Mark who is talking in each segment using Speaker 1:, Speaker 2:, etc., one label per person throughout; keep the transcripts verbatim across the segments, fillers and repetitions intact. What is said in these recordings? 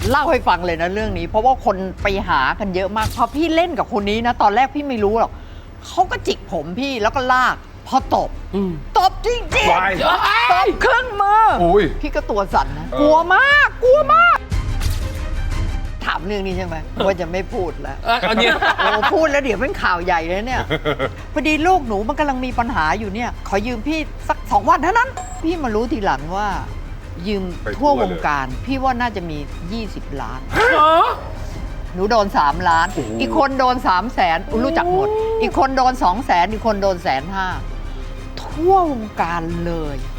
Speaker 1: เล่าให้ฟังเลยนะเรื่องนี้ เพราะว่าคนไปหากันเยอะมากพอพี่เล่นกับคนนี้นะตอนแรกพี่ไม่รู้หรอกเขาก็จิกผมพี่แล้วก็ลากพอตบตบจริงจริง
Speaker 2: วาย
Speaker 1: ตบครึ่งมือ
Speaker 2: อุ้ย
Speaker 1: พี่ก็ตัวสั่นนะ
Speaker 2: เออ
Speaker 1: กลัวมากกลัวมาก ถามเรื่องนี้ใช่ไหมว่าจะไม่พูดแล้ว
Speaker 3: เอออันนี้
Speaker 1: โอ้พูดแล้วเดี๋ยวเป็นข่าวใหญ่เลยเนี่ยพอดีลูกหนูมันกำลังมีปัญหาอยู่เนี่ย ขอยืมพี่สักสองวันเท่านั้น พี่มารู้ทีหลังว่า ยืม
Speaker 2: ไปทั่
Speaker 1: ทั่ว
Speaker 2: ว
Speaker 1: ว
Speaker 2: เลย
Speaker 1: งการ พี่ว่าน่าจะมี ยี่สิบ ล้าน
Speaker 3: เหรอ
Speaker 1: หนูโดน สาม ล้าน
Speaker 2: โอ้โห
Speaker 1: อีกคนโดน สาม แสนอุ๊ยรู้จักหมด อีกคนโดน สอง แสน อีกคนโดนแสนห้าทั่ววงการเลย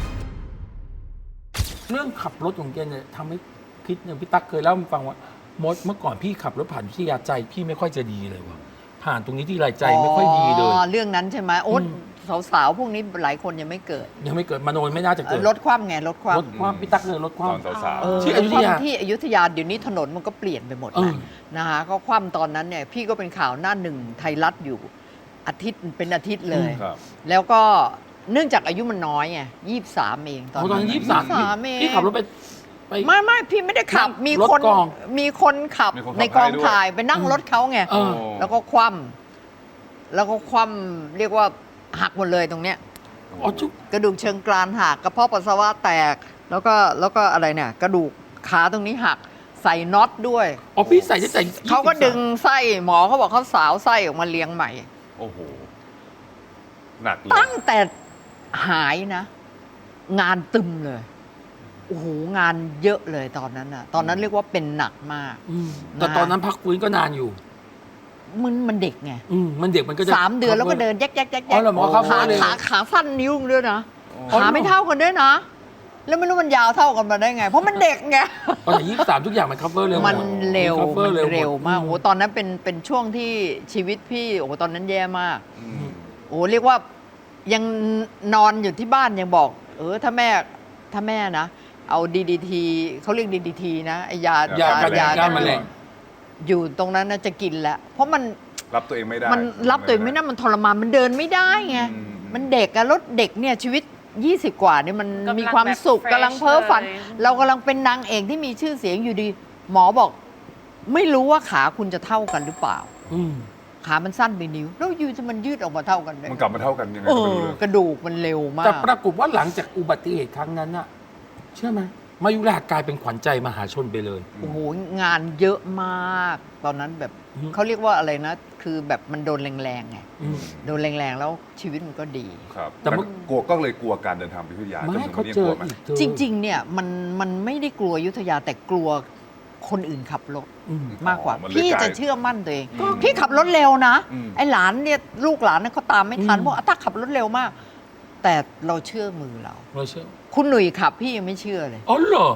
Speaker 3: เรื่องขับรถของแกเนี่ยทำให้คิดอย่างพี่ตั๊กเคยเล่าให้ฟังว่ามดเมื่อก่อนพี่ขับรถผ่านวิทยาใจพี่ไม่ค่อยจะดีเลยว่ะผ่านตรงนี้ที่ไรใจไม่ค่อยดีเลย
Speaker 1: อ๋อ เรื่องนั้นใช่ไหมโอ้
Speaker 3: อืม
Speaker 1: สาวๆ พวกนี้หลายคนยังไม่เกิด
Speaker 3: ยังไม่เกิดมโนไม่น่าจะเกิด
Speaker 1: ลดความไงลดความ
Speaker 3: รถความพี่ตั๊กเลยรถค
Speaker 2: ต
Speaker 3: วาม
Speaker 2: อนสาว
Speaker 1: เออ
Speaker 3: ที่อยุธยา
Speaker 1: คว่ำที่อยุธยาเดี๋ยวนี้ถนนมันก็เปลี่ยนไปหมด
Speaker 3: เอ
Speaker 1: นะ
Speaker 3: อ
Speaker 1: นะคะก็คว่ำตอนนั้นเนี่ยพี่ก็เป็นข่าวหน้าหนึ่งไทยรัฐอยู่อาทิตย์เป็นอาทิตย์เลย
Speaker 2: ๆครับ
Speaker 1: แล้วก็เนื่องจากอายุมันน้อยไงยี่สามเองตอน
Speaker 3: โอ้ตอนนั้นยี่สิบสาม
Speaker 1: เอง
Speaker 3: พี่ขับรถไปไป
Speaker 1: ไม่ไม่พี่ไม่ได้ขับ
Speaker 3: นั่ง
Speaker 1: มี
Speaker 3: รถ
Speaker 1: คน
Speaker 3: กอง
Speaker 1: มีคนขับ
Speaker 2: มีคนขับ
Speaker 1: ในกอง
Speaker 2: ให้ด้วย
Speaker 1: ถ่ายไปนั่งรถเขาไง
Speaker 3: เออ
Speaker 1: แล้วก็คว่ำแล้วก็คว่ำเรียกว่าหักหมดเลยตรงเนี้ย
Speaker 3: อ๋อจุ๊บ
Speaker 1: กระดูกเชิงกรานหักกระเพาะปัสสาวะแตก แล้วก็แล้วก็อะไรเนี่ยกระดูกขาตรงนี้หักใส่น็อตด้วย
Speaker 3: อ๋อพี่ใส่ได้ใส่
Speaker 1: เขาก็ดึงไส้หมอเขาบอกเขาสาวไส้ออกมาเลี้ยงใหม่
Speaker 2: โอ้โห หนักเลย
Speaker 1: ตั้งแต่หายนะ งานตึมเลยโอ้โหงานเยอะเลยตอนนั้นน่ะ ตอนนั้นเรียกว่าเป็นหนักมาก
Speaker 3: อืมแต่ตอนนั้นพักฟื้นก็นานอยู่
Speaker 1: มันมันเด็กไง
Speaker 3: อืมมันเด็กมันก็จะ
Speaker 1: สามเดือนแล้วก็เดินแยกแยกแยก
Speaker 3: อ๋อเหรอหมอครับ
Speaker 1: ขา
Speaker 3: เลย
Speaker 1: ขาขาสั้นนิ้วด้วยนะ
Speaker 2: อ๋อ
Speaker 1: ขาไม่เท่ากันด้วยนะ แล้วไม่รู้มันยาวเท่ากันมาได้ไง เพราะมันเด็กไง
Speaker 3: ตอนไหนยี่สิบสามทุกอย่างมัน cover เร็วหด
Speaker 1: มันเร็ว
Speaker 3: cover
Speaker 1: มัน
Speaker 3: เร็วหด
Speaker 1: เร็วมาก
Speaker 3: อื
Speaker 1: โอ้โหตอนนั้นเป็นเป็นช่วงที่ชีวิตพี่โอ้โหตอนนั้นแย่มาก
Speaker 2: อืม
Speaker 1: โอ้เรียกว่ายังนอนอยู่ที่บ้านยังบอก เออถ้าแม่ถ้าแม่นะ เอาดีดีทีเขาเรียกดีดีทีนะไอยาย
Speaker 3: ากัน
Speaker 1: ยา
Speaker 3: ยาแมลง
Speaker 1: อยู่ตรงนั้นนะจะกินแล้ว เพราะมัน
Speaker 2: รับตัวเองไม่ได้
Speaker 1: มันรับตัวเองไม่ได้มันทรมานมันเดินไม่ได้ไง
Speaker 2: อืม
Speaker 1: มันเด็กอะรถเด็กเนี่ยชีวิต ยี่สิบ กว่าเนี่ยมัน
Speaker 4: กำลัง
Speaker 1: มีความสุข
Speaker 4: แบบ
Speaker 1: กำลัง
Speaker 4: fresh
Speaker 1: เพ้อฝัน
Speaker 4: เลย
Speaker 1: เรากำลังเป็นนางเอกที่มีชื่อเสียงอยู่ดี หมอบอก ไม่รู้ว่าขาคุณจะเท่ากันหรือเปล่า
Speaker 3: อืม
Speaker 1: ขามันสั้นไปนิ้ว แล้วอยูจะมันยืดออกมาเท่ากันได้
Speaker 2: มันกลับมาเท่ากันยังไง
Speaker 1: เอ
Speaker 2: ก็ไม่
Speaker 1: อ
Speaker 2: รู้เลย
Speaker 1: กระดูกมันเร็วมา
Speaker 3: แต่
Speaker 1: ก
Speaker 3: ปรากฏว่าหลังจากอุบัติเหตุครั้งนั้นน่ะ เชื่อไหมมายุรากลายเป็นขวัญใจมหาชนไปเลย
Speaker 1: โอ้โหงานเยอะมาก ตอนนั้นแบบ
Speaker 3: อืม
Speaker 1: เขาเรียกว่าอะไรนะ คือแบบมันโดนแรงๆไง
Speaker 3: อืม
Speaker 1: โดนแรงๆแล้วชีวิตมันก็ดี
Speaker 2: ครับ
Speaker 3: แต่
Speaker 2: แต่
Speaker 3: เมื่อ
Speaker 2: กลัวก็เลยกลัวการเดินทางไปพิทยา
Speaker 3: ไม่
Speaker 2: จนถึง
Speaker 3: เขา
Speaker 2: วันนี้
Speaker 3: เจ
Speaker 2: กลั
Speaker 3: อ
Speaker 2: วไหม
Speaker 3: อีกเจอ
Speaker 1: จริง ๆ เนี่ยมันมันไม่ได้กลัวอยุทธยาแต่กลัวคนอื่นขับรถ
Speaker 3: อืม
Speaker 1: มากกว่า
Speaker 2: อ๋อมันเลย
Speaker 1: พี่
Speaker 2: กลาย
Speaker 1: จะเชื่อมั่นตัวเอง
Speaker 2: อืม
Speaker 1: พี่ขับรถเร็วนะ
Speaker 2: อืม
Speaker 1: ไอ้หลานเนี่ยลูกหลานเนี่ยเขาตามไม่ทัน
Speaker 3: อืม
Speaker 1: เพราะอาตักขับรถเร็วมาก แต่เราเชื่อมือเรา
Speaker 3: เราเชื่อ
Speaker 1: คุณหนุ่ยขับพี่ยังไม่เชื่อเลย
Speaker 3: อ๋อเหรอ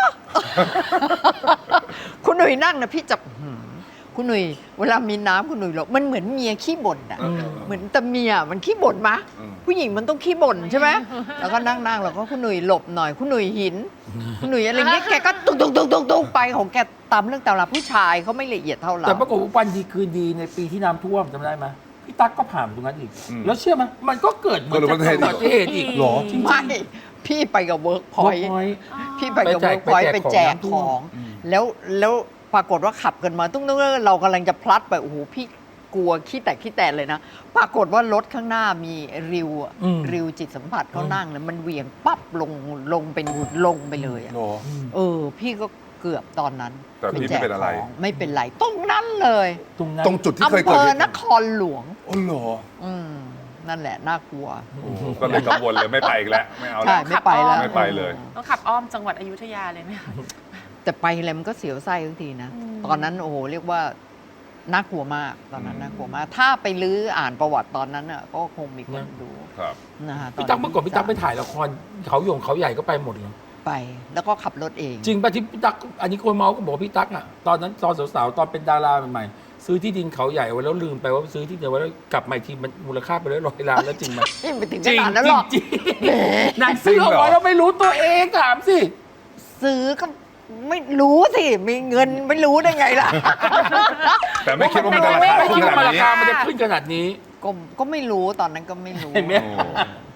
Speaker 1: คุณหนุ่ยนั่งนะพี่จับหืมคุณหนุ่ยเวลามีน้ำคุณหนุ่ยหรอกมันเหมือนเมียขี้บ่นอะ
Speaker 3: อืม
Speaker 1: เหมือนแต่เมียมันขี้บ่นมะ
Speaker 2: อืม
Speaker 1: ผู้หญิงมันต้องขี้บ่นใช่ไหมแล้วก็นั่งนั่งๆแล้วก็คุณหนุ่ยหลบหน่อย คุณหนุ่ยหิน คุณหนุ่ยอะไรเงี้ยแกก็ตุ๊กตุ๊กตุ๊กตุ๊กตุ๊กไปของแกตามเรื่องตามราวผู้ชายเขาไม่ละเอียดเท่าเรา
Speaker 3: แต่ปรากฏว่าวันดีคืนดีในปีที่น้ำท่วมจำได้ไหมพี่ตั๊กก็ผ่านตรงนั้นอีก
Speaker 2: อืม
Speaker 3: แล้วเชื่อไหมมันก็เกิดเหมือน
Speaker 2: เกิดอุบัติเหตุ
Speaker 3: อุบัติเหตุอีก
Speaker 2: หรอ
Speaker 3: จริงๆ
Speaker 1: ไม่พี่ไปกับเวิร์กพอยต์
Speaker 3: Workpoint
Speaker 1: พี่ไปกับ
Speaker 3: ไปแจ
Speaker 1: เวิ
Speaker 3: ก
Speaker 1: ร์กพอยต์
Speaker 3: ไป
Speaker 1: ไป
Speaker 3: แจ
Speaker 1: แจ
Speaker 3: ก
Speaker 1: ก
Speaker 3: ข
Speaker 1: ข
Speaker 3: อ
Speaker 1: อง ง
Speaker 2: อืม
Speaker 1: แล้วแล้วปรากฏว่าขับกันมาตุ้งตุ้งเรากำลังจะพลัดไปโอ้โหพี่กลัวขี้แตกขี้แตนเลยนะ ปรากฏว่ารถข้างหน้ามีริวอะ
Speaker 3: อืม
Speaker 1: ริวจิตสัมผัสเขา
Speaker 3: อืม
Speaker 1: นั่งแล้วมันเหวี่ยงปั๊บลงลงเป็นลงไปเลยอะ
Speaker 2: หรอ
Speaker 1: เออ พี่ก็เกือบตอนนั้น
Speaker 2: แต่พี่ไม่เป็นอะไร
Speaker 1: ของไม่เป็นไรตรงนั้นเลย
Speaker 3: ตรงนั้น
Speaker 2: ตรงจุดที่เคย
Speaker 1: อำเภ
Speaker 2: เกิด
Speaker 1: อ
Speaker 2: เหตุ
Speaker 1: นครหลวง
Speaker 2: อ๋อเหรอ
Speaker 1: อืมนั่นแหละน่ากลัว
Speaker 2: โอ้โหก็เลยกังวลเลยไม่ไปอีกแล้ว ไม่เอา
Speaker 1: ใช่
Speaker 2: แล้ว
Speaker 1: ไม่ไปแล้ว
Speaker 2: ไม่ไปเลย
Speaker 4: ต้องขับอ้อมจังหวัดอยุธยาเลยไหมคะ
Speaker 1: แต่ไปอะไรมันก็เสียวไส้ทุกทีนะ
Speaker 4: อืม
Speaker 1: ตอนนั้นโอ้โหเรียกว่าน่ากลัวมากตอนนั้น
Speaker 2: อืม
Speaker 1: น่ากลัวมาก ถ้าไปลื้ออ่านประวัติตอนนั้นอ่ะก็คงมีคนดู
Speaker 2: ครับ
Speaker 1: นะฮะ
Speaker 3: พี่ตั๊กเมื่อก่อนพี่ตั๊กไปถ่ายละครเขาหยงเขาใหญ่ก็ไปหมดเลย
Speaker 1: ไป แล้วก็ขับรถเอง
Speaker 3: จริงป่ะที่พี่ตั๊กอันนี้คนเมาส์ก็บอกว่าพี่ตั๊กอ่ะตอนนั้นตอนสาวๆตอนเป็นดาราใหม่ๆซื้อที่ดินเขาใหญ่ไว้แล้วลืมไปว่าซื้อที่เดียวไว้แล้วกลับมาอีกทีมันมูลค่าไปแล้วร้อยล้านแล้วจริงไหม
Speaker 1: ไม่ไปถึง
Speaker 3: จ
Speaker 1: ข
Speaker 3: ริง
Speaker 1: นาดนั้นหรอก
Speaker 3: จริงๆนางซื้อเอาไว้แล้วไม่รู้ตัวเองถามสิ
Speaker 1: ซื้อก็ไม่รู้สิ มีเงินไม่รู้ได้ไงล่ะ
Speaker 2: แต่ไม่คิดว่ามันจะราคา
Speaker 3: ไม่
Speaker 2: ขึ้
Speaker 3: คิด
Speaker 2: นข
Speaker 3: ว่า
Speaker 2: นาด
Speaker 3: รา
Speaker 2: นี้
Speaker 3: คามันจะขึ้นขนาดนี้
Speaker 1: ก็ก็ไม่รู้ตอนนั้นก็ไม่รู้
Speaker 3: เห็นไหม
Speaker 2: โอ้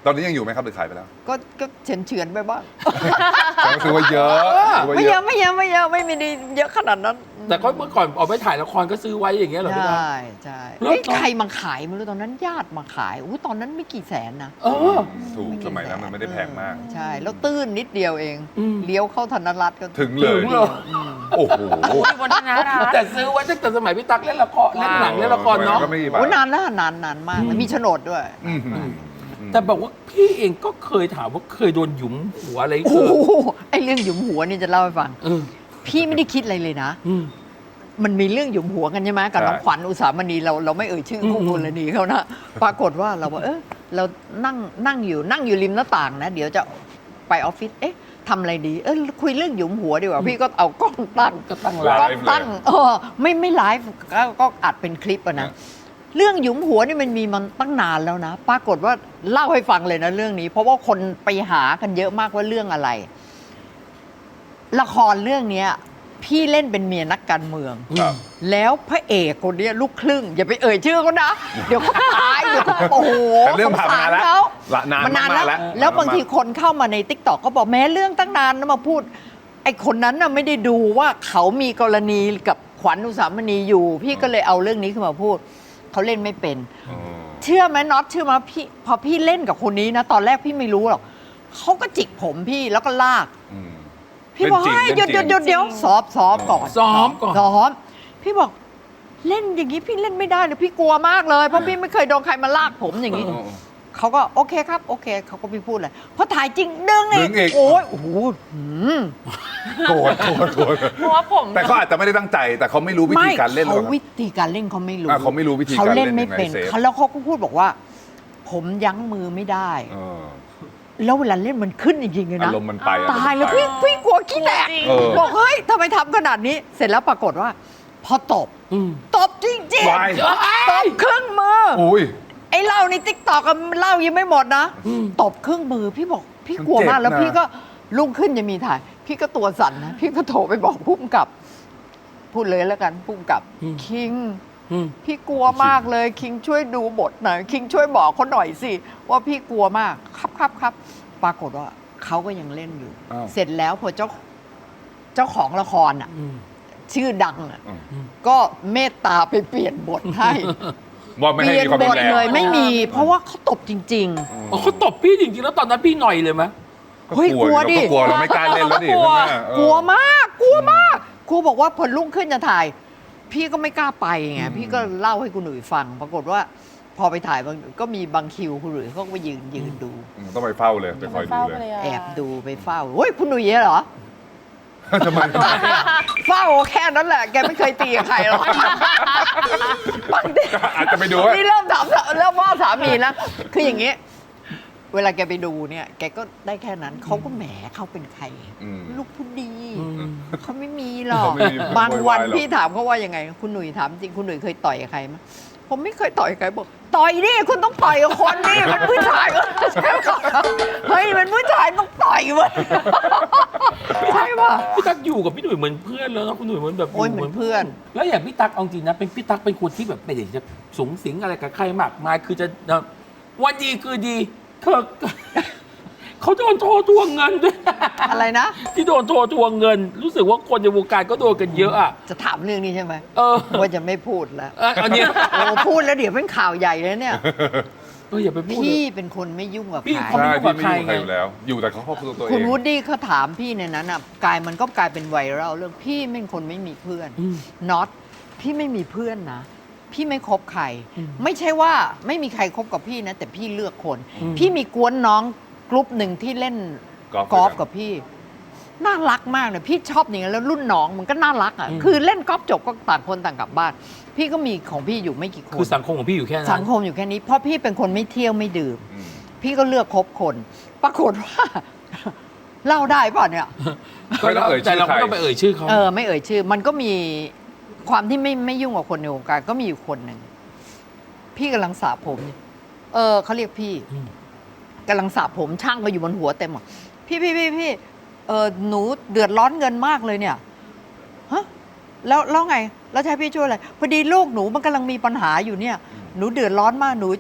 Speaker 2: ตอนนี้ยังอยู่ไหมครับหรือขายไปแล้ว
Speaker 1: ก็ก็เฉือนเฉือนๆไปบ้าง
Speaker 2: ก็คือว่าเยอะถือว่า
Speaker 1: ไม่
Speaker 2: เย
Speaker 1: เย
Speaker 2: อะ
Speaker 1: อะไม่เยอะไม่เยอะไม่มีดีเยอะขนาดนั้น
Speaker 3: แต่ก็เมื่อก่อนออกไปถ่ายละครก็ซื้อไว้อย่างเงี้ยเหรอพี่ตั๊ก
Speaker 1: ใช่ใช่
Speaker 3: แล้ว
Speaker 1: เฮ้ย
Speaker 3: ตอน
Speaker 1: ใครมาขายไม่รู้ตอนนั้นญาติมาขายอู้ตอนนั้นไม่กี่แสนนะ
Speaker 3: เออ
Speaker 2: ถูกสมัยนั้นมันไม่ได้แพงมาก
Speaker 1: ใช่ แล้วตื้นนิดเดียวเอง
Speaker 3: อืม
Speaker 1: เลี้ยวเข้าธนรัตน์ก็
Speaker 2: ถึงเลย
Speaker 3: ถึงเลย
Speaker 2: โอ้โห
Speaker 4: อยู่บนธนารัตน์
Speaker 3: แต่ซื้อไว้ตั้งแต่สมัยพี่ตั๊กเล่นละครเล่นหนังเล่นละครเนาะ
Speaker 2: ก็ไม่กี่บาท
Speaker 1: โอ้นานแล้วนานนานมากแล้วมีโฉนดด้วย
Speaker 2: อืม
Speaker 3: แต่บอกว่าพี่เองก็เคยถามว่าเคยโดนหยุมหัวอะไร
Speaker 1: โอ้
Speaker 3: เกิด
Speaker 1: โหไอเรื่องหยุมหัวนี่จะเล่าให้ฟัง
Speaker 3: เออ
Speaker 1: พี่ไม่ได้คิดอะไรเลยนะ
Speaker 3: อืม
Speaker 1: มันมีเรื่องหยุมหัวกันใช่ไหมกับน้องขวัญอุสามณีเราเราไม่เอ่ยชื่อคู่
Speaker 3: อืม
Speaker 1: กรณีเขานะปรากฏว่าเราบอกเออเรานั่งนั่งอยู่นั่งอยู่ริมหน้าต่างนะ เดี๋ยวจะไปออฟฟิศเอ๊ะทำอะไรดีเออคุยเรื่องหยุมหัวดีกว่าพี่ก็เอากล้องตั้ง
Speaker 3: ก็ตั้ง
Speaker 2: ไล
Speaker 3: ร้าน
Speaker 2: ฟ์
Speaker 1: ก็ตั้งเออไม่ไม่ไลฟ์ก็ก็อัดเป็นคลิปอะนะ เรื่องหยุมหัวนี่มันมีมันตั้งนานแล้วนะ ปรากฏว่าเล่าให้ฟังเลยนะเรื่องนี้ เพราะว่าคนไปหากันเยอะมากว่าเรื่องอะไร ละครเรื่องเนี้ย พี่เล่นเป็นเมียนักการเมือง
Speaker 2: ครับ
Speaker 1: แล้วพระเอกคนเนี้ยลูกครึ่ง อย่าไปเอ่ยชื่อเขานะ เดี๋ยวเขาตายเดี๋ยวเขาโอ้โห
Speaker 2: แต่เรื่องผ่านมานานแล้ว
Speaker 1: สงสรเขา
Speaker 2: ละนาน
Speaker 1: มันนาน
Speaker 2: มากๆ
Speaker 1: แล้
Speaker 2: แล้ว ว
Speaker 1: แล้วบางทีคนเข้ามาในติ๊กต็อกก็บอกแม้เรื่องตั้งนานนะมาพูด ไอ้คนนั้นน่ะไม่ได้ดูว่าเขามีกรณีกับขวัญอุสามณีอยู่ พี่ก็เลยเอาเรื่องนี้ขึ้นมาพูด เขาเล่นไม่เป็น
Speaker 2: อ๋อ
Speaker 1: เชื่อไหมน็อตเชื่อไหมพี่พอพี่เล่นกับคนนี้นะ ตอนแรกพี่ไม่รู้หรอกเขาก็จิกผมพี่แล้วก็ลาก
Speaker 2: อืม
Speaker 1: พี่บอก
Speaker 2: เล่นจริง
Speaker 1: เฮ้ยหยุดหยุดหยุด
Speaker 2: เล่นจริง
Speaker 1: เดี๋ยวซ้อมซ้อมก่อน
Speaker 3: ซ้อมก่อน
Speaker 1: ซ้อมพี่บอกเล่นอย่างนี้พี่เล่นไม่ได้เลยพี่กลัวมากเลยเพราะพี่ไม่เคยโดนใครมาลากผมอย่างนี้
Speaker 2: อ๋อ
Speaker 1: เขาก็โอเคครับโอเคเขาก็ไม่พูดเลยพอถ่ายจริงดึง
Speaker 2: ดึงอีก
Speaker 1: โอ้ยโอ้โหหืม
Speaker 2: โกรธโกรธโกรธ
Speaker 4: เพราะว่าผม
Speaker 2: แต่เขาอาจจะไม่ได้ตั้งใจ แต่เขาไม่รู้วิธีการเล่นหร
Speaker 1: เขา
Speaker 2: อกครับ
Speaker 1: วิธีการเล่นเขาไม่รู้
Speaker 2: อ่ะเขาไม่รู้วิธีการ
Speaker 1: เขา
Speaker 2: เล่
Speaker 1: เล่
Speaker 2: น
Speaker 1: นไม่เป็น
Speaker 2: ยังไงเซฟ
Speaker 1: เขาแล้วเขาก็พูดบอกว่า ผมยั้งมือไม่ได้
Speaker 2: เออ
Speaker 1: แล้วเวลาเล่นมันขึ้นจริงๆเลย
Speaker 2: อา
Speaker 1: นะ
Speaker 2: รมณ์มันไปอะ
Speaker 1: ตายแล้ว
Speaker 2: อารมณ์
Speaker 1: พี่
Speaker 2: มันไป
Speaker 1: พี่กลัวขี้แตก
Speaker 4: จริง
Speaker 2: เออ
Speaker 1: บอกเฮ้ยทำไมทำขนาดนี้ เสร็จแล้วปรากฏว่า พอตบ
Speaker 3: อืม
Speaker 1: ตบจริง
Speaker 2: วาย
Speaker 1: ๆตบครึ่งมือ
Speaker 2: อุ้ย
Speaker 1: ไอ้เหล่าในติ๊กตอกเล่ายังไม่หมดนะ
Speaker 3: อืม
Speaker 1: ตบครึ่งมือพี่บอกพี่กลัวมาก
Speaker 2: มันเจ็บนะ
Speaker 1: แล้วพี่ก็ลุกขึ้นจะมีถ่าย พี่ก็ตัวสั่นนะ พี่ก็โทรไปบอกพุ่มกับ พูดเลยแล้วกันพุ่มกับ
Speaker 3: อืม
Speaker 1: คิง
Speaker 3: อืม
Speaker 1: พี่กลัวมากเลย คิงช่วยดูบทหน่อยคิงช่วยบอกเขาหน่อยสิ ว่าพี่กลัวมากครับครับครับปรากฏว่าเขาก็ยังเล่นอยู่
Speaker 2: อ้าว
Speaker 1: เสร็จแล้วพอเจ้าเจ้าของละครอ่ะ
Speaker 3: อืม
Speaker 1: ชื่อดังอ่ะ
Speaker 2: อืม
Speaker 1: ก็เมตตาไปเปลี่ยนบทให้
Speaker 2: ว่าไม่
Speaker 1: เป
Speaker 2: ให้
Speaker 1: ลี่ยน
Speaker 2: มีความ
Speaker 1: บ
Speaker 2: รุ
Speaker 1: ท
Speaker 2: นแรง
Speaker 1: เลยไม่มี เพราะว่าเขาตบจริง
Speaker 3: อ๋อเขาตบพี่จริงๆแล้วตอนนั้นพี่หน่อยเลยไหม
Speaker 1: เฮ้ยกลัวดิ
Speaker 2: เราก็กลัวเราไม่กล้าเล่นแล้วดิ
Speaker 4: กลัว
Speaker 2: ใช่ไหมเออ
Speaker 1: ๆ กลัวมากกลัวมากครูบอกว่าพอรุ่งขึ้นจะถ่าย พี่ก็ไม่กล้าไปไงพี่ก็เล่าให้คุณหนุ่ยฟัง ปรากฏว่า พอไปถ่ายบางก็มีบางคิวคุณหนุ่ยเขาก็ไปยืนยืนดู
Speaker 2: อืมต้องไปเฝ้าเลยไปคอยดูเลย
Speaker 1: แอบดูไปเฝ้าเฮ้ยคุณหนุ่ยเหรอ
Speaker 2: ทำไมทำไม
Speaker 1: เฝ้าแค่นั้นแหละ แกไม่เคยตีกับใครหรอกบางที
Speaker 2: อาจจะไปดูว่า
Speaker 1: นี่เริ่มถามเริ่มว่าสามีนะคืออย่างนี้ เวลาแกไปดูเนี่ย แกก็ได้แค่นั้น เขาก็แหมเขาเป็นใคร
Speaker 2: อืม
Speaker 1: ลูกผู้ดี
Speaker 3: อืม
Speaker 1: เขาไม่มีหรอก
Speaker 2: เขาไม่มี
Speaker 1: บางวัน
Speaker 2: โวยวายหรอก
Speaker 1: พี่ถามเขาว่ายังไง คุณหนุ่ยถามจริง คุณหนุ่ยเคยต่อยกับใครไหมผมไม่เคยต่อยกับใครบอก ต่อยดิคุณต้องต่อยกับคนดิมันผู้ชายเฮ้ยมันผู้ชายต้องต่อยเว้ยใช่ป่ะ
Speaker 3: พี่ตั๊กอยู่กับพี่หนุ่ยเหมือนเพื่อนแล้วนะคุณหนุ่ยเหมือนแบบ
Speaker 1: โอ้ยเหมือนเพื่อน
Speaker 3: แล้วอย่างพี่ตั๊กเอาจริงนะเป็นพี่ตั๊กเป็นคนที่แบบไม่ได้จะสูงสิงอะไรกับใครมากมายคือจะวันดีคือดีเธอ เขาโดนโทรทวงเงินด้วย
Speaker 1: อะไรนะ
Speaker 3: ที่โดนโทรทวงเงิน รู้สึกว่าคนในวงการก็โดนกันเยอะอ่ะ
Speaker 1: จะถามเรื่องนี้ใช่ไหม
Speaker 3: เออ
Speaker 1: ว่าจะไม่พูดแล้ว
Speaker 3: เอออันเนี้ย
Speaker 1: โอ้พูดแล้วเดี๋ยวเป็นข่าวใหญ่เลยเนี่ย
Speaker 3: เอออย่าไปพูดเลย
Speaker 1: พี่เป็นคนไม่ยุ่งกับ
Speaker 3: พี่
Speaker 1: ใคร
Speaker 3: เขาไม่
Speaker 2: ใช่
Speaker 3: ยุ่งกับ
Speaker 2: พี่ไม่ยุ่งกับใคร
Speaker 3: ใครไง
Speaker 2: อยู่แล้ว อยู่แต่เขาครอบครัวตัวเอ
Speaker 1: คุณ
Speaker 2: ง
Speaker 1: วูดดี้เขาถามพี่ในนั้นอ่ะกลายมันก็กลายเป็นไวรัลเรื่องพี่เป็นคนไม่มีเพื่อน
Speaker 3: อืม
Speaker 1: น็อตพี่ไม่มีเพื่อนนะ พี่ไม่คบใคร
Speaker 3: อืม
Speaker 1: ไม่ใช่ว่าไม่มีใครคบกับพี่นะ แต่พี่เลือกคน
Speaker 3: อืม
Speaker 1: พี่มีกวนน้องกลุ่มหนึ่งที่เล่น
Speaker 2: กอล์ฟ
Speaker 1: กอล์ฟ
Speaker 2: ด้วยกัน
Speaker 1: กับพี่ น่ารักมากเลยพี่ชอบอย่างนั้นแล้วรุ่นน้องมันก็น่ารักอ่ะคือเล่นกอล์ฟจบก็ต่างคนต่างกลับบ้าน พี่ก็มีของพี่อยู่ไม่กี่คน
Speaker 3: คือสังคมของพี่อยู่แค่นั้น
Speaker 1: สังคมอยู่แค่นี้เพราะพี่เป็นคนไม่เที่ยวไม่ดื่ม
Speaker 2: อืม
Speaker 1: พี่ก็เลือกคบคน ปรากฏว่า เล่าได้ป่ะเนี่ย
Speaker 2: ไม่ต้องเอ่ยชื่
Speaker 3: แต่
Speaker 2: อ
Speaker 3: เรา
Speaker 2: ใคร
Speaker 3: ไม่ต้องไปเอ่ยชื่อเขา
Speaker 1: เออไม่เอ่ยชื่อ มันก็มีความที่ไม่ไม่ยุ่งกับคนในวงการก็มีอยู่คนหนึ่งพี่กำลังสระผมอยู่เออเขาเรียกพี่
Speaker 3: ม
Speaker 1: กำลังสระผมช่างก็อยู่บนหัวเต็มอ่ะพี่พี่พี่พี่เออหนูเดือดร้อนเงินมากเลยเนี่ยฮะแล้วแล้วไง แล้วจะให้พี่ช่วยอะไรพอดีลูกหนูมันกำลังมีปัญหาอยู่เนี่ย หนูเดือดร้อนมากหนูจะ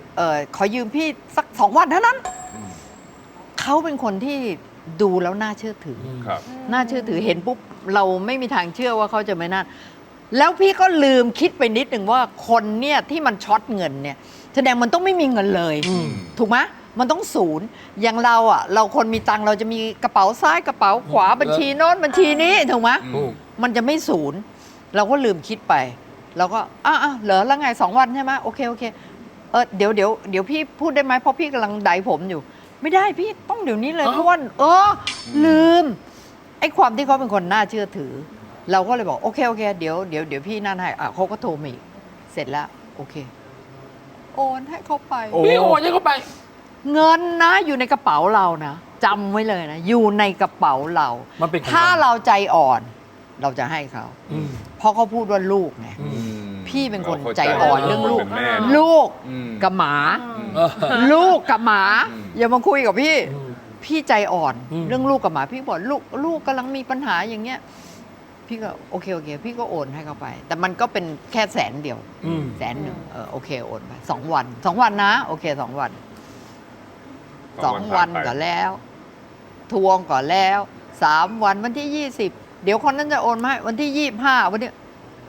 Speaker 1: เออขอยืมพี่สักสองวันเท่านั้น
Speaker 2: อืม
Speaker 1: เขาเป็นคนที่ดูแล้วน่าเชื่อถืออ
Speaker 3: ม
Speaker 2: ครับ
Speaker 1: น่าเชื่อถือเห็นปุ๊บเราไม่มีทางเชื่อว่าเขาจะไม่น่าแล้วพี่ก็ลืมคิดไปนิดหนึ่งว่าคนเนี่ยที่มันช็อตเงินเนี่ยแสดงมันต้องไม่มีเงินเลย
Speaker 3: อืม
Speaker 1: ถูกไหมมันต้องศูนย์อย่างเราอ่ะ เราคนมีตังค์เราจะมีกระเป๋าซ้ายกระเป๋าขวาบัญชีโน้นบัญชีนี้ถูกไหม
Speaker 2: อืม
Speaker 1: มันจะไม่ศูนย์ เราก็ลืมคิดไป เราก็อ่ะอ่ะเหรอแล้วไงสองวันใช่ไหมโอเคโอเคเออเดี๋ยวเดี๋ยวเดี๋ยวพี่พูดได้ไหมเพราะพี่กำลังไดผมอยู่ ไม่ได้พี่ต้องเดี๋ยวนี้เลย
Speaker 3: เอ้า
Speaker 1: เพราะว่าเออลืมไอ้ความที่เขาเป็นคนน่าเชื่อถือ เราก็เลยบอกโอเคโอเคเดี๋ยวเดี๋ยวเดี๋ยวพี่นั่นให้อ่ะเขาก็โทรมาอีกเสร็จแล้วโอเค โอนให้เขาไป
Speaker 2: โอ้
Speaker 3: พี่โอนให้เขาไป
Speaker 1: เงินนะอยู่ในกระเป๋าเรานะจำไว้เลยนะ อยู่ในกระเป๋าเรา
Speaker 3: มันเป็นของ
Speaker 1: ถ้า
Speaker 3: เรา
Speaker 1: เราใจอ่อน เราจะให้เขา
Speaker 3: อืม
Speaker 1: เพราะเขาพูดว่าลูกไง
Speaker 3: อืม
Speaker 2: อืม
Speaker 1: พี่เป็นคน
Speaker 2: ราข้า
Speaker 1: ใจอ่อนเรื่องลูก
Speaker 2: เป็นแม่
Speaker 1: ลูก
Speaker 2: อืม
Speaker 1: กับหมา
Speaker 3: เออ
Speaker 1: ลูกกับหมา
Speaker 2: อืม
Speaker 1: อย่ามาคุยกับพี่
Speaker 3: อืม
Speaker 1: พี่ใจอ่อน
Speaker 3: อืม
Speaker 1: เรื่องลูกกับหมา พี่บอกลูกลูกกำลังมีปัญหาอย่างเงี้ย พี่ก็โอเคโอเค พี่ก็โอนให้เขาไป แต่มันก็เป็นแค่แสนเดียว
Speaker 3: อืม
Speaker 1: แสนหนึ่งเออโอเคโอนไปสองวันสองวันนะ โอเคสองวันสองวัน
Speaker 2: ผ่าไป
Speaker 1: ก่อนแล้ว ทวงก่อนแล้วสามวันวันที่ยี่สิบเดี๋ยวคนนั้นจะโอนมาให้วันที่ยี่สิบห้าวันนี้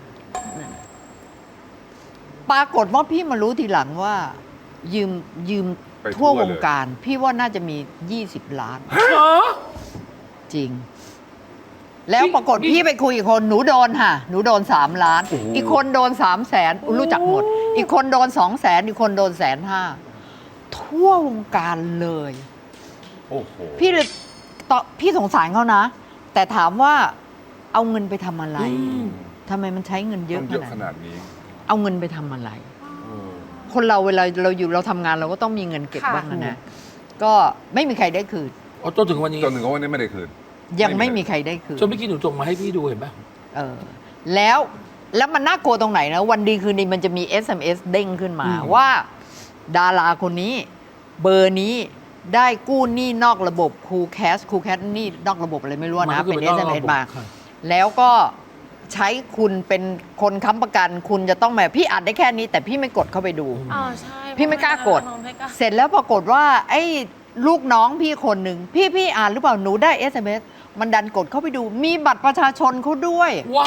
Speaker 1: ปรากฏว่าพี่มารู้ทีหลังว่า ยืมยืม
Speaker 2: ไปทั่
Speaker 1: ทั่ว
Speaker 2: ว
Speaker 1: วง
Speaker 2: เลย
Speaker 1: การ พี่ว่าน่าจะมียี่สิบล้าน
Speaker 3: เหรอ
Speaker 1: จริง แล้วปรากฏ
Speaker 3: พี่
Speaker 1: พี่ไปคุยอีกคนหนูโดนค่ะ หนูโดนสามล้าน
Speaker 2: โอ้โห
Speaker 1: อีกคนโดนสามแสนรู้จักหมด อีกคนโดนสองแสนอีกคนโดนแสนห้าทั่ววงการเลย
Speaker 2: โอ้โห
Speaker 1: พี่เลยตอนพี่สงสารเขานะ แต่ถามว่าเอาเงินไปทำอะไร
Speaker 3: อืม
Speaker 1: ทำไมมันใช้เงินเย
Speaker 2: ต้
Speaker 1: อะ
Speaker 2: อง
Speaker 1: ข
Speaker 2: เยอะ
Speaker 1: นาด
Speaker 2: ข
Speaker 1: นั้น
Speaker 2: นาดนี้
Speaker 1: เอาเงินไปทำอะไร
Speaker 2: เออ
Speaker 1: คนเราเวลาเราอยู่เราทำงานเราก็ต้องมีเงินเก็บ
Speaker 4: ค่ะ
Speaker 1: บ้างนะนะก็ไม่มีใครได้คืน
Speaker 3: เอาจนถึงวันนี้
Speaker 2: จนถึงวันนี้ไม่ได้คืน
Speaker 1: ยัง
Speaker 2: ไม่
Speaker 1: ไม่
Speaker 2: มี
Speaker 1: มีใครได้คืน
Speaker 3: จนเมื่อกี้หนูส่งมาให้พี่ดูเห็นปะ
Speaker 1: เออแล้วแล้วมันน่ากลัวตรงไหนนะ วันดีคืนดีมันจะมี เอส เอ็ม เอส เด้งขึ้นมา ว่า ดาราคนนี้ เบอร์นี้ได้กู้หนี้นอกระบบคูแคสคูแคสหนี้นอกระบบอะไรไม่รู้นะ เป็น เอส เอ็ม เอส มา
Speaker 3: ค่ะ
Speaker 1: แล้วก็ใช้คุณเป็นคนค้ำประกัน คุณจะต้องมาพี่อัดได้แค่นี้ แต่พี่ไม่กดเข้าไปดู
Speaker 4: อ๋อใช่
Speaker 1: พี่ไม่กล้ากด
Speaker 4: ไม่กล้า
Speaker 1: เสร็จแล้วปรากฏว่า ไอ้ลูกน้องพี่คนหนึ่งพี่พี่อ่านหรือเปล่าหนูได้ เอส เอ็ม เอส มันดันกดเข้าไปดู มีบัตรประชาชนเขาด้วย
Speaker 3: ว้าย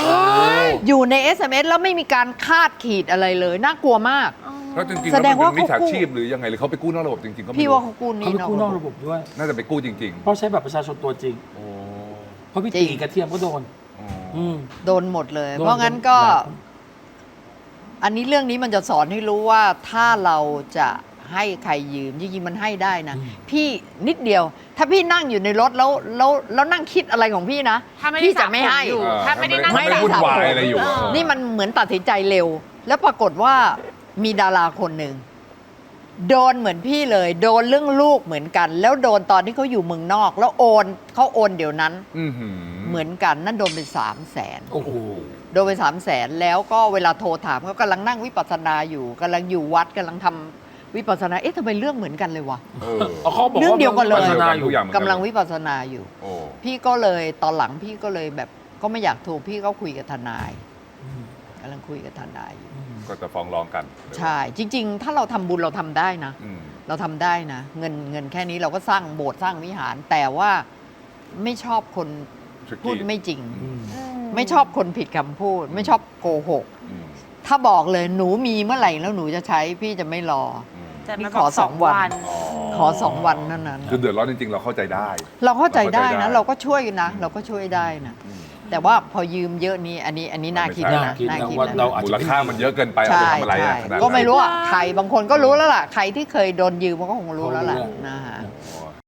Speaker 1: อยู่ใน เอส เอ็ม เอส แล้วไม่มีการคาดขีดอะไรเลย น่ากลัวมาก
Speaker 4: อ๋อ
Speaker 2: แล้วจริงๆ
Speaker 1: แส
Speaker 2: แล้ว
Speaker 1: ด
Speaker 2: มัน
Speaker 1: งว่า
Speaker 2: เป็นมิจฉา
Speaker 1: เขากู้
Speaker 2: ชีพหรือยังไงหรือเขาไปกู้นอกระบบจริงๆก็ไม่
Speaker 1: พี่
Speaker 2: รู้
Speaker 1: ว่าเขากู้หนี้
Speaker 3: เขาไปกู้นอก
Speaker 1: ระ
Speaker 3: ระ
Speaker 1: บบ
Speaker 3: บบด้วย
Speaker 2: น่าจะไปกู้จริง
Speaker 3: เพราะใช้บัตรประชาชนตัวจริง
Speaker 2: ๆ โอ้
Speaker 3: เพราะพี่
Speaker 1: จริ
Speaker 3: ตี
Speaker 1: ง
Speaker 3: กระเทียมก็โดน
Speaker 2: อ๋อ
Speaker 3: อืม
Speaker 1: โดนหมดเลย
Speaker 3: โดน
Speaker 1: เพราะงั้นก็ อันนี้เรื่องนี้มันจะสอนให้รู้ว่าถ้าเราจะให้ใครยืมจริงๆมันให้ได้นะ พี่นิดเดียว ถ้าพี่นั่งอยู่ในรถแล้วแล้วแล้วนั่งคิดอะไรของพี่นะ
Speaker 4: ถ้าไม่ได้
Speaker 1: พี่จะไม่ให้
Speaker 4: สระผมอยู่
Speaker 2: เออ
Speaker 4: ถ้าไม่ได้นั่ง
Speaker 2: ไม่ได้
Speaker 1: สระ
Speaker 2: วุ่นวาย
Speaker 1: ผม
Speaker 2: อะไรอยู่
Speaker 4: เออ
Speaker 1: นี่มันเหมือนตัดสินใจเร็ว แล้วปรากฏว่ามีดาราคนหนึ่งโดนเหมือนพี่เลย โดนเรื่องลูกเหมือนกัน แล้วโดนตอนที่เขาอยู่เมืองนอก แล้วโอนเขาโอนเดี๋ยวนั้น
Speaker 2: อื้อหือ
Speaker 1: เหมือนกันนั่นโดนไปสามแสน
Speaker 3: โอ้โห
Speaker 1: โดนไปสามแสนแล้วก็เวลาโทรถามเขากำลังนั่งวิปัสสนาอยู่กำลังอยู่วัดกำลังทำวิปัสสนาเอ๊ะทำไมเรื่องเหมือนกันเลยวะ
Speaker 2: เออ
Speaker 3: เอาเขาบอก
Speaker 1: เรื่องเดียวกันเลย
Speaker 3: พัฒนาอยู่
Speaker 2: ทุกอย่างเหมือน
Speaker 1: กำลังวิปัสสนาอยู่
Speaker 2: โอ้
Speaker 1: พี่ก็เลยตอนหลังพี่ก็เลยแบบก็ไม่อยากโทรพี่ก็คุยกับทนาย
Speaker 3: อืม
Speaker 1: กำลังคุยกับทนายอยู่
Speaker 3: อืม
Speaker 2: ก็จะฟ้องร้องกัน
Speaker 1: ใช่ จริง ๆ ถ้าเราทำบุญเราทำได้นะ
Speaker 2: อืม
Speaker 1: เราทำได้นะ เงินเงินแค่นี้เราก็สร้างโบสถ์สร้างวิหาร แต่ว่าไม่ชอบคน
Speaker 2: Tricky
Speaker 1: พูดไม่จริง
Speaker 3: อืม
Speaker 1: ไม่ชอบคนผิดคำพูด ไม่ชอบโกหก
Speaker 2: อืม
Speaker 1: ถ้าบอกเลยหนูมีเมื่อไหร่แล้วหนูจะใช้พี่จะไม่รอ
Speaker 2: อืม
Speaker 4: แต่
Speaker 1: นี่
Speaker 4: มัน
Speaker 1: ขอ
Speaker 4: บอก
Speaker 1: สองวัน
Speaker 2: อ๋อ
Speaker 1: ขอสองวันเท่านั้น
Speaker 2: คือเดือดร้อนจริงๆ เราเข้าใจได้
Speaker 1: เราเข้าใจได้นะ
Speaker 2: เรา
Speaker 1: เรา
Speaker 2: เข้าใจได้
Speaker 1: ก็ช่วยนะ เราก็ช่วยได้นะ
Speaker 2: อืม
Speaker 1: แต่ว่าพอยืมเยอะนี้อันนี้อันนี้น่าคิด
Speaker 2: ไม่
Speaker 1: นะ
Speaker 2: ใช่
Speaker 1: น่า
Speaker 3: น่าคิ
Speaker 1: คิ
Speaker 3: ด
Speaker 1: ด
Speaker 3: นะว่า
Speaker 1: นะ
Speaker 3: เราอาจ
Speaker 2: มู
Speaker 3: จะ
Speaker 2: ลค่ามันเยอะเกินไปเอา
Speaker 1: ใช่
Speaker 2: ไปทำอะไร
Speaker 1: ใช่
Speaker 2: อะขนาดนั้น
Speaker 1: ก็ไม่รู้อ่ะใครบางคนก็รู้แล้วล่ะ ใครที่เคยโดนยืมมันก็คงรู้แล้วล่ะ
Speaker 3: รู้แล้ว
Speaker 1: นะฮะ
Speaker 2: โอ้